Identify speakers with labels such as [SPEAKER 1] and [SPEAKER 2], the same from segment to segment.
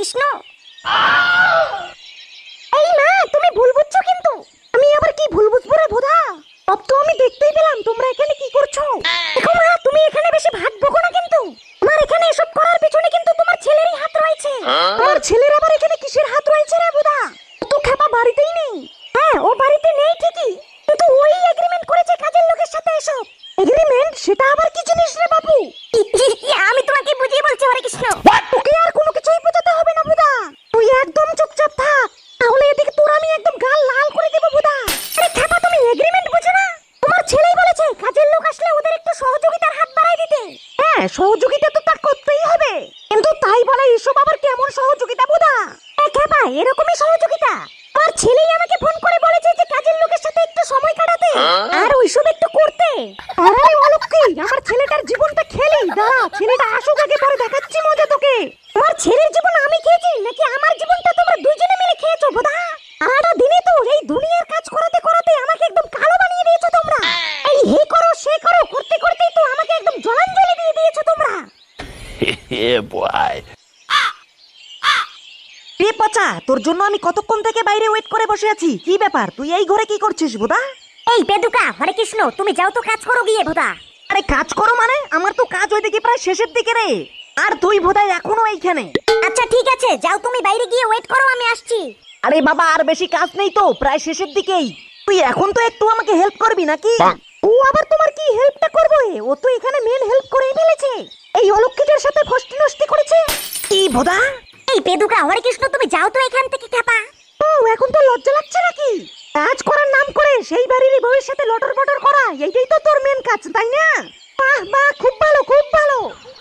[SPEAKER 1] কৃষ্ণ। এই মা, তুমি ভুল বুঝছো কিন্তু। আমি আবার কি ভুল বুঝবো রে ভোদা? সব তো আমি দেখতেই পেলাম তোমরা এখানে কি করছো। দেখো মা, তুমি এখানে বেশি ভাগ বকো না কিন্তু। তোমার এখানে এসব করার পিছনে কিন্তু তোমার ছেলেরই হাত রয়েছে। আমার ছেলের আবার এখানে কিসের হাত রয়েছে রে ভোদা? ও তো খেপা বাড়িতেই নেই। হ্যাঁ, ও বাড়িতে নেই ঠিকই, কিন্তু ওই এগ্রিমেন্ট করেছে কাজের লোকের সাথে এসব। এগ্রিমেন্ট? সেটা আবার কি জিনিস রে বাবু? আমি তোমাকে বুঝিয়ে বলছি হরে কৃষ্ণ। তোকে আর কোনো কিছুই বোঝাতে হবে না বুদা, তুই একদম চুপচাপ থাক, তাহলে এদিকে তোর আমি একদম গাল লাল করে দেব বুদা। আরে খেপা, তুমি এগ্রিমেন্ট বুঝো না? তোমার ছেলেই বলেছে কাজের লোক আসলে ওদের একটু সহযোগিতার হাত বাড়ায় দিতে। হ্যাঁ, সহযোগিতা তো তা করতেই হবে, কিন্তু তাই বলে এসব আবার কেমন সহযোগিতা বুদা? খেপা, এরকমই সহযোগিতা। আমার ছেলেই আমাকে ফোন করে বলেছে যে কাজের লোকের সাথে একটু সময় কাটাতে আর ওইসব একটু করতে। আরে অলক্ষী, আমার ছেলেটার জীবনটা খেলি, দাঁড়া ছেলেটা আসুক আগে, পরে দেখাচ্ছি মজা তোকে। আমার ছেলের জীবন আমি খেয়েছি নাকি আমার জীবনটা তোমরা দুইজনে মিলে খেয়েছো বোধা? সারাটা দিনে তো এই দুনিয়ার কাজ করাতে করাতে আমাকে একদম কালো বানিয়ে দিয়েছো তোমরা। এই হে করো সে করো করতে করতেই তো আমাকে একদম জলাঞ্জলি দিয়ে দিয়েছো তোমরা।
[SPEAKER 2] Yeah, boy.
[SPEAKER 3] রে পচা, তোর জন্য আমি কতক্ষণ থেকে বাইরে ওয়েট করে বসে আছি। কি ব্যাপার, তুই এই ঘরে কি করছিস বোদা?
[SPEAKER 1] এই বেদুকা, হরে কৃষ্ণ, তুমি যাও তো কাজ করো গিয়ে ভোদা।
[SPEAKER 3] আরে কাজ করো মানে? আমার তো কাজ ওইদিকে প্রায় শেষের দিকে রে, আর তুই বোধহয় এখনো এইখানে।
[SPEAKER 1] আচ্ছা ঠিক আছে, যাও তুমি বাইরে গিয়ে ওয়েট করো, আমি আসছি।
[SPEAKER 3] আরে বাবা, আর বেশি কাজ নেই তো, প্রায় শেষের দিকেই। তুই এখন তো একটু আমাকে হেল্প করবি নাকি? ও আবার তোমার কি হেল্পটা করবে? ও তো এখানে মেন হেল্প করেই ফেলেছে, এই অলক্ষিতের সাথে ফষ্টি নষ্টি করেছে। কি বোদা?
[SPEAKER 1] এই বেদুকা, হরে কৃষ্ণ, তুমি যাও তো এখান থেকে খেপা।
[SPEAKER 3] ও এখন তো লজ্জা লাগছে নাকি? কাজ করার নাম করে সেই বাড়ির বউয়ের সাথে লটর বটর করা, এইটাই তো তোর মেন কাজ, তাই না? বাহ বাহ, খুব ভালো খুব ভালো।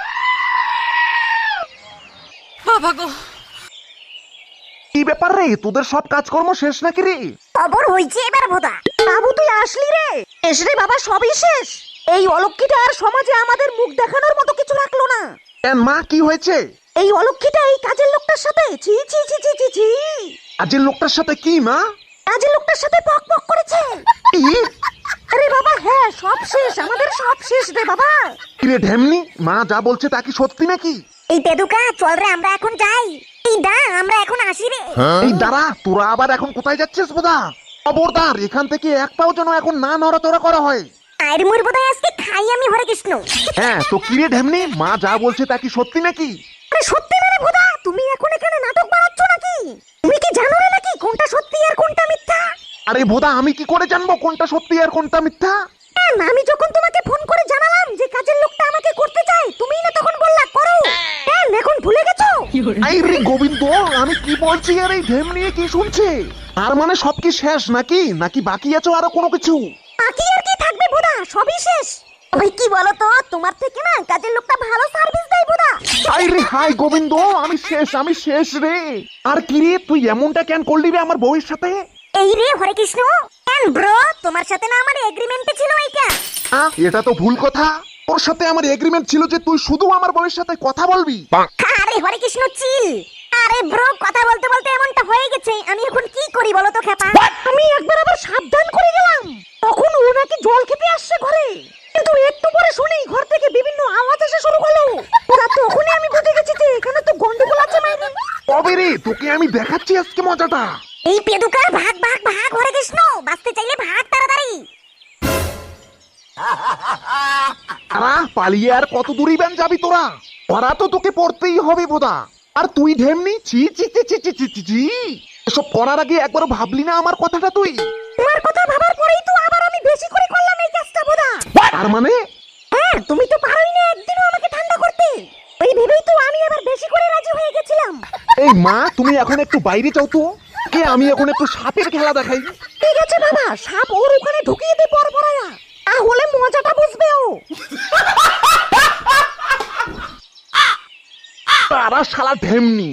[SPEAKER 4] বাবা গো,
[SPEAKER 2] কি ব্যাপার রে, তোদের সব কাজকর্ম শেষ নাকি রে?
[SPEAKER 1] খবর হইছে এবার ভোদা।
[SPEAKER 3] বাবু তুই আসলি রে? শেষ রে বাবা, সবই শেষ। এই অলক্ষীটা আর সমাজে আমাদের মুখ দেখানোর মতো কিছু রাখলো না।
[SPEAKER 2] কেন মা, কি হয়েছে?
[SPEAKER 3] এই অলক্ষীটা এই কাজের লোকটার সাথে ছি ছি ছি ছি ছি ছি।
[SPEAKER 2] কাজের লোকটার সাথে কি মা?
[SPEAKER 3] কাজের লোকটার সাথে পক পক করেছে।
[SPEAKER 2] কি?
[SPEAKER 3] আরে বাবা হ্যাঁ, সব শেষ, আমাদের সব শেষ রে বাবা।
[SPEAKER 2] কিরে ঢেমনি, মা যা বলছে তা কি সত্যি নাকি?
[SPEAKER 1] এই বেদুকা, চল রে আমরা এখন যাই। এই দা, আমরা এখন আসি রে।
[SPEAKER 2] এই দাঁড়া, তোরা আবার এখন কোথায় যাচ্ছিস বোধা? খবরদার, এখান থেকে এক পাও যেন এখন না নড়াচড়া করা হয়।
[SPEAKER 1] আয়ের মুর বোধহয় আজকে খাই আমি, হরে কৃষ্ণ।
[SPEAKER 2] হ্যাঁ তো কিরে ঢেমনি, মা যা বলছে তা কি সত্যি নাকি?
[SPEAKER 3] আরে সত্যি মানে ভোদা, তুমি এখন এখানে নাটক বানাচ্ছ নাকি? তুমি কি জানো না নাকি কোনটা সত্যি আর কোনটা মিথ্যা?
[SPEAKER 2] আরে ভোদা, আমি কি করে জানবো কোনটা সত্যি আর কোনটা মিথ্যা?
[SPEAKER 3] আমি যখন তোমাকে ফোন করে জানালাম যে কাজের লোকটা আমাকে করতে চায়, তুমিই না তখন বললা করো। এখন ভুলে গেছো?
[SPEAKER 2] এই রে গোবিন্দ, আমি কি বলছি আর এই ঢেমনি কি শুনছে? আর মানে সব কি শেষ নাকি, নাকি বাকি আছে আরো কোনো কিছু?
[SPEAKER 3] বাকি আর কি থাকবে ভোদা, সবই শেষ। ওই কি বলো তো, তোমার থেকে না কাজের লোকটা ভালো সার্ভিস দেয় ভোদা।
[SPEAKER 2] হাই রে হাই গোবিন্দ, আমি শেষ রে। আর কি রে, তুই এমনটা কেন করলি রে আমার বউয়ের সাথে?
[SPEAKER 1] এই রে হরে কৃষ্ণ, কেন ব্রো, তোমার সাথে না আমার এগ্রিমেন্টে ছিল এইটা।
[SPEAKER 2] এটা তো ভুল কথা। তোর সাথে আমার এগ্রিমেন্ট ছিল যে তুই শুধু আমার বউয়ের সাথে কথা বলবি।
[SPEAKER 1] আরে হরে কৃষ্ণ চিল। আরে ব্রো, কথা বলতে বলতে এমনটা হয়ে গেছে, আমি এখন কি করি বলো তো খেপা?
[SPEAKER 3] আমি একবার আবার সাবধান করে গেলাম, তখন ও নাকি জল খেতে আসছে ঘরে, কিন্তু একটু পরে শুনি ঘর থেকে বিভিন্ন আওয়াজ আসা শুরু হলো। ওরা তখনই আমি বুঝে গেছি যে এখানে তো গন্ডগোল আছে মাইরি।
[SPEAKER 2] কবে রে, তোকে আমি দেখাচ্ছি আজকে মজাটা।
[SPEAKER 1] এই পেদুকা, ভাগ ভাগ ভাগ হরে কৃষ্ণ, বাঁচতে চাইলে ভাগ তাড়াতাড়ি।
[SPEAKER 2] পালিয়ে আর কত দূরই ব্যান যাবি তোরা? ওরা তো তোকে পড়তেই হবে বোধা। আর তুই ঢেমনি, ছি ছি ছি ছি ছি ছি ছি ছি। এসব করার আগে একবার ভাবলি না আমার কথাটা তুই?
[SPEAKER 3] তোমার কথা ভাবার পরেই তো আবার আমি বেশি করে করলাম এই কাজটা বোধা।
[SPEAKER 2] তার মানে?
[SPEAKER 3] হ্যাঁ, তুমি তো পারোই না একদিনও আমাকে ঠান্ডা করতে, ওই ভেবেই তো আমি আবার বেশি করে রাজি হয়ে গেছিলাম।
[SPEAKER 2] এই মা, তুমি এখন একটু বাইরে যাও তো, কে আমি এখন একটু সাপের খেলা দেখাই।
[SPEAKER 3] ঠিক আছে বাবা, সাপ ওর ওখানে ঢুকিয়ে দে পর পরায়া, তাহলে মজাটা বুঝবে ও।
[SPEAKER 2] তারা শালা ঢেমনি।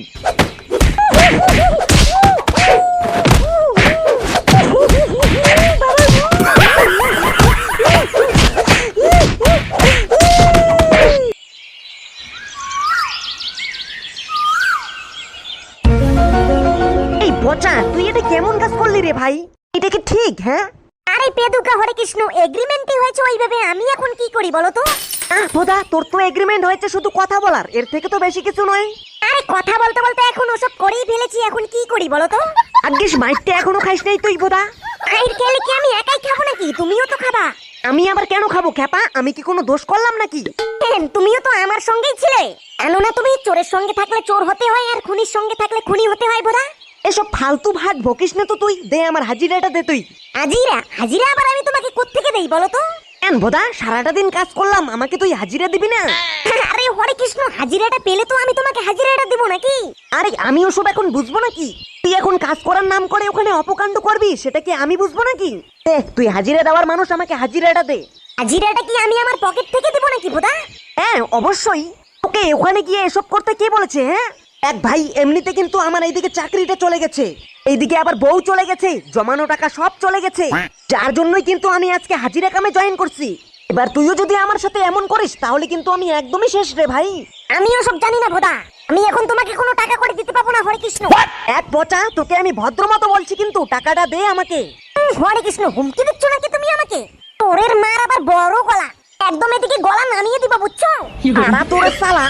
[SPEAKER 3] এই পচা, তুই এটা কেমন কাজ করলি রে ভাই? এটা কি ঠিক? হ্যাঁ
[SPEAKER 1] আরে পেদুকা, হরে কৃষ্ণ, এগ্রিমেন্টই হয়েছে ওইভাবে, আমি এখন কি করি বলো তো?
[SPEAKER 3] বোধা, তোর তো এগ্রিমেন্ট হয়েছে শুধু কথা বলার, এর থেকে তো বেশি কিছু নয়।
[SPEAKER 1] আরে কথা বলতে বলতে এখন ওসব করেই ফেলেছি, এখন কি করি বলো তো?
[SPEAKER 3] আজ্ঞেস মাইরটা এখনো খাইস নাই তুই বোধা?
[SPEAKER 1] খাইর খেলে কি আমি একাই খাবো নাকি? তুমিও তো খাবা।
[SPEAKER 3] আমি আবার কেন খাবো খেপা? আমি কি কোনো দোষ করলাম নাকি?
[SPEAKER 1] তুমিও তো আমার সঙ্গেই ছিলে। কেননা তুমি চোরের সঙ্গে থাকলে চোর হতে হয়, আর খুনির সঙ্গে থাকলে খুনি হতে হয় বোধা।
[SPEAKER 3] এসব ফালতু ভাগ বকিস না তো তুই। দে আমার হাজিরাটা দে তুই।
[SPEAKER 1] হাজিরা? হাজিরা আবার আমি তোমাকে কোত্থেকে দেই বলো তো?
[SPEAKER 3] কেন বোধা, সারাটা দিন কাজ করলাম, আমাকে তুই হাজিরা দিবি না?
[SPEAKER 1] আরে হরে কৃষ্ণ, হাজিরাটা পেলে তো আমি তোমাকে হাজিরাটা দিব নাকি?
[SPEAKER 3] আরে আমি ওসব এখন বুঝবো নাকি? তুই এখন কাজ করার নাম করে ওখানে অপকাণ্ড করবি, সেটা কি আমি বুঝবো নাকি? তুই হাজিরা দেওয়ার মানুষ, আমাকে হাজিরাটা দে।
[SPEAKER 1] হাজিরাটা কি আমি আমার পকেট থেকে দিব নাকি বোধা?
[SPEAKER 3] হ্যাঁ অবশ্যই। ওকে ওখানে গিয়ে এসব করতে কে বলেছে? হ্যাঁ এক ভাই, এমনিতে কিন্তু আমার এইদিকে চাকরিটা চলে গেছে, এইদিকে আবার বউ চলে গেছে, জমানো টাকা সব চলে গেছে, যার জন্যই কিন্তু আমি আজকে হাজিরা কামে জয়েন করছি। এবার তুইও যদি আমার সাথে এমন করিস তাহলে কিন্তু আমি একদমই শেষ রে ভাই।
[SPEAKER 1] আমিও সব জানি না বোধা, আমি এখন তোমাকে কোনো টাকা করে দিতে পাবো না হরে কৃষ্ণ।
[SPEAKER 3] এক পচা, তোকে আমি ভদ্র মতো বলছি, কিন্তু টাকাটা দে আমাকে।
[SPEAKER 1] হরে কৃষ্ণ, হুমকি দিচ্ছ নাকি তুমি আমাকে? তোরের মার আবার বড় গলা, একদম এদিকে গলা নামিয়ে দিবা বুঝছো?
[SPEAKER 3] আরা তোর সালা।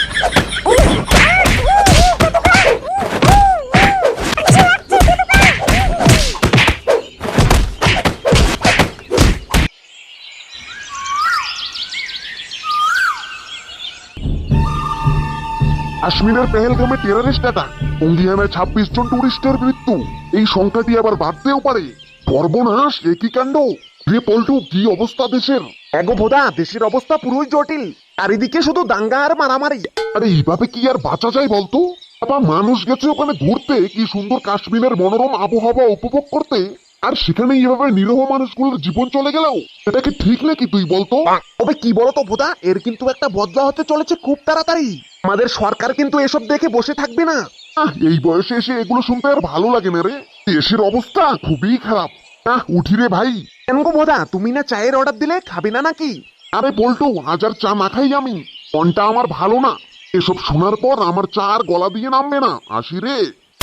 [SPEAKER 2] কাশ্মীরের পেহেলগামে টেররিস্ট অ্যাটাক, টঙ্গিয়ানায় 26 জন টুরিস্টের মৃত্যু। এই সংখ্যাটি আবার বাড়তেও পারে। সর্বনাশ, একই কাণ্ড রে পল্টু, কি অবস্থা দেশের? এগো ভোদা, দেশের অবস্থা পুরোই জটিল, চারিদিকে শুধু দাঙ্গা আর মারামারি।
[SPEAKER 5] আরে এইভাবে কি আর বাঁচা যায় বলতো? বাবা, মানুষ গেছে ওখানে ঘুরতে, কি সুন্দর কাশ্মীরের মনোরম আবহাওয়া উপভোগ করতে, আর সেখানে এইভাবে নিরহ মানুষগুলোর জীবন চলে গেল। এটা কি ঠিক নাকি তুই বলতো?
[SPEAKER 2] তবে কি বলতো ভোদা, এর কিন্তু একটা বদলা হতে চলেছে খুব তাড়াতাড়ি। আমাদের সরকার কিন্তু এসব দেখে বসে থাকবে না।
[SPEAKER 5] এই বয়সে এসে এগুলো শুনতে আর ভালো লাগে না রে। দেশের অবস্থা খুবই খারাপ। উঠি রে ভাই।
[SPEAKER 2] কেন গো ভোদা, তুমি না চায়ের অর্ডার দিলে, খাবে না নাকি?
[SPEAKER 5] আরে পল্টু, আজ আর চা না খাই আমি, মনটা আমার ভালো না। এসব শোনার পর আমার চা আর গলা দিয়ে নামবে না। আসি রে।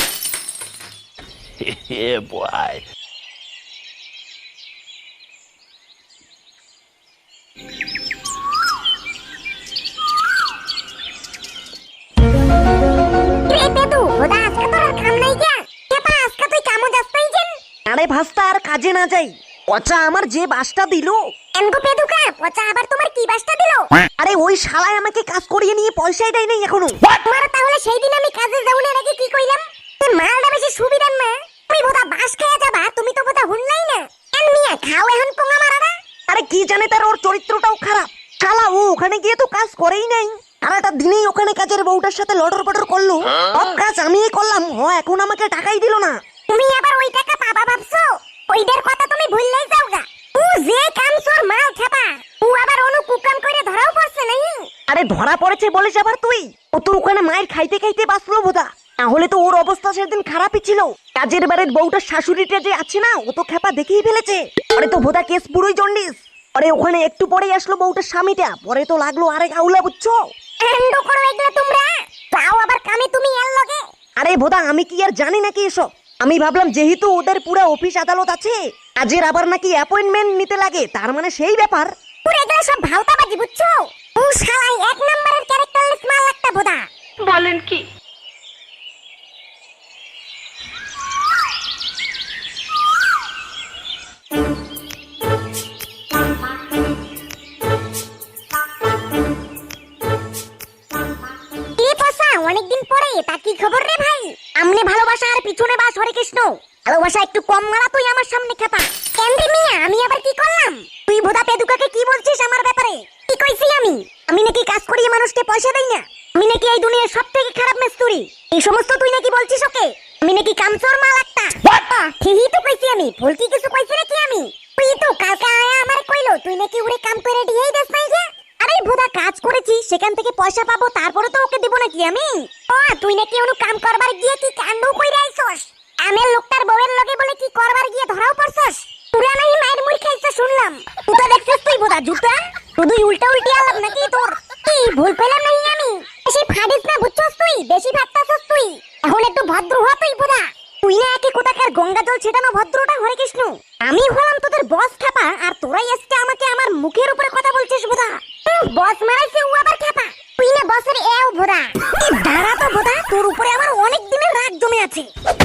[SPEAKER 1] রে পেটু, বোধা আজকে তোর আর কাম নাই কে? কেপা আজকে তুই কামো যাস নাই কেন?
[SPEAKER 3] আরে ভাস্তা, আর কাজে না যাই। পচা আমার যে বাসটা দিল।
[SPEAKER 1] এনগো পেটুকা, পচা আবার তোমার কি বাসটা দিল?
[SPEAKER 3] আরে ওই শালায় আমাকে কাজ করিয়ে নিয়ে পয়সাই দেয় নাই এখনো।
[SPEAKER 1] তোমার তাহলে সেই দিন আমি কাজে যাওনের আগে কি কইলাম? এই মালটা বেশি সুবিধার না। তুমি বোধা বাস খাইয়া যাবা, তুমি তো বোধা হুনলাই না। এন মিয়া খাও এখন পোঙা মারারা।
[SPEAKER 3] আরে কি জানে তার, ওর চরিত্রটাও খারাপ। শালা ও ওখানে গিয়ে তো কাজ করেই নাই, সারাটা দিনেই ওখানে কাজের বউটার সাথে লটর পটর করলো। সব কাজ আমিই করলাম, এখন আমাকে টাকাই দিল না।
[SPEAKER 1] তুমি আবার ওই টাকা পাবা ভাবছো? ওইটার কথা তুমি ভুললেই যাওগা। ও যে কাম সর মাল ছাপা, ও আবার অনু কুকাম করে ধরাও পড়ছে নাই?
[SPEAKER 3] আরে ধরা পড়েছে বলিস আবার তুই? ও তো ওখানে মায়ের খাইতে খাইতে বাঁচলো বোধা, তাহলে তো ওর অবস্থা সেদিন খারাপই ছিল। কাজের বাড়ির বউটার শাশুড়িটা যে আছে না, ও তো খেপা দেখেই ফেলেছে। পরে তো বোধা কেস পুরোই জন্ডিস। পরে ওখানে একটু পরেই আসলো বউটার স্বামীটা, পরে তো লাগলো আরেক আউলা বুঝছো।
[SPEAKER 1] এন্ড করো এগুলা তোমরা, যাও আবার কামে তুমি এর লগে।
[SPEAKER 3] আরে বোধা, আমি কি আর জানি নাকি এসব? আমি ভাবলাম যেহেতু ওদের পুরো অফিস আদালত আছে, কাজের আবার নাকি অ্যাপয়েন্টমেন্ট নিতে লাগে, তার মানে সেই ব্যাপার।
[SPEAKER 1] পুরো এগুলা সব ভালতাবাজি বুঝছো? ও শালাই এক নাম্বারের ক্যারেক্টারলেস মাল একটা বোধা।
[SPEAKER 4] বলেন কি?
[SPEAKER 1] কি পসা, অনেকদিন পরে তা কি খবর রে ভাই? আমনে ভালোবাসা আর পিছনে বাস হরে কৃষ্ণ। ভালোবাসা একটু কম মারা তুই আমার সামনে খেপা। কেন রে মিয়া, আমি আবার কি করলাম? তুই বোধা পেদুকাকে কি বলছিস আমার ব্যাপারে? কি কইছি আমি? আমি নাকি কাজ করিয়ে মানুষকে পয়সা দেই না? আমি নাকি এই দুনিয়ার সবথেকে খারাপ মেস্তুরি? এই সমস্ত তুই নাকি বলছিস ওকে? আমি নাকি কামচোর মাল একটা? ঠিকই তো কইছি আমি, ভুল কি কিছু কইছি নাকি আমি? তুই তো কালকে আয়া আমার কইলো তুই নাকি ওরে কাম করে দিয়েই দেস নাই যে। আরে বোধা কাজ করেছি, সেখান থেকে পয়সা পাবো, তারপরে তো ওকে দিব নাকি আমি? ও তুই নাকি অনু কাম করবার গিয়ে কি কাণ্ড কইরা আইছস? আমের লোকটার বউয়ের লগে বলে কি করবার গিয়ে ধরাও পড়ছস? পুরা নাই মায়ের মুড় খাইছ শুনলাম। তুই তো দেখছস তুই বোধা জুতা, শুধু উল্টা উল্টি আলাপ নাকি তোর? কি ভুল পেলাম নাই আমি? বেশি ফাডিস না বুঝছস তুই, বেশি ভাবতাছস তুই। এখন একটু ভদ্র হ তুই বোধা। তুই না একে কোথাকার গঙ্গা জল ছেটানো ভদ্রটা হরে কৃষ্ণ। আমি হলাম তোদের বস খাপা, আর তোরাই আজকে আমাকে আমার মুখের উপরে কথা বলছিস বোধা। বস মারাইছে ও আবার খাপা, তুই না বসের এও বোধা। দাঁড়া তো ভোদা, তোর উপরে আমার অনেক দিনের রাগ জমে আছে।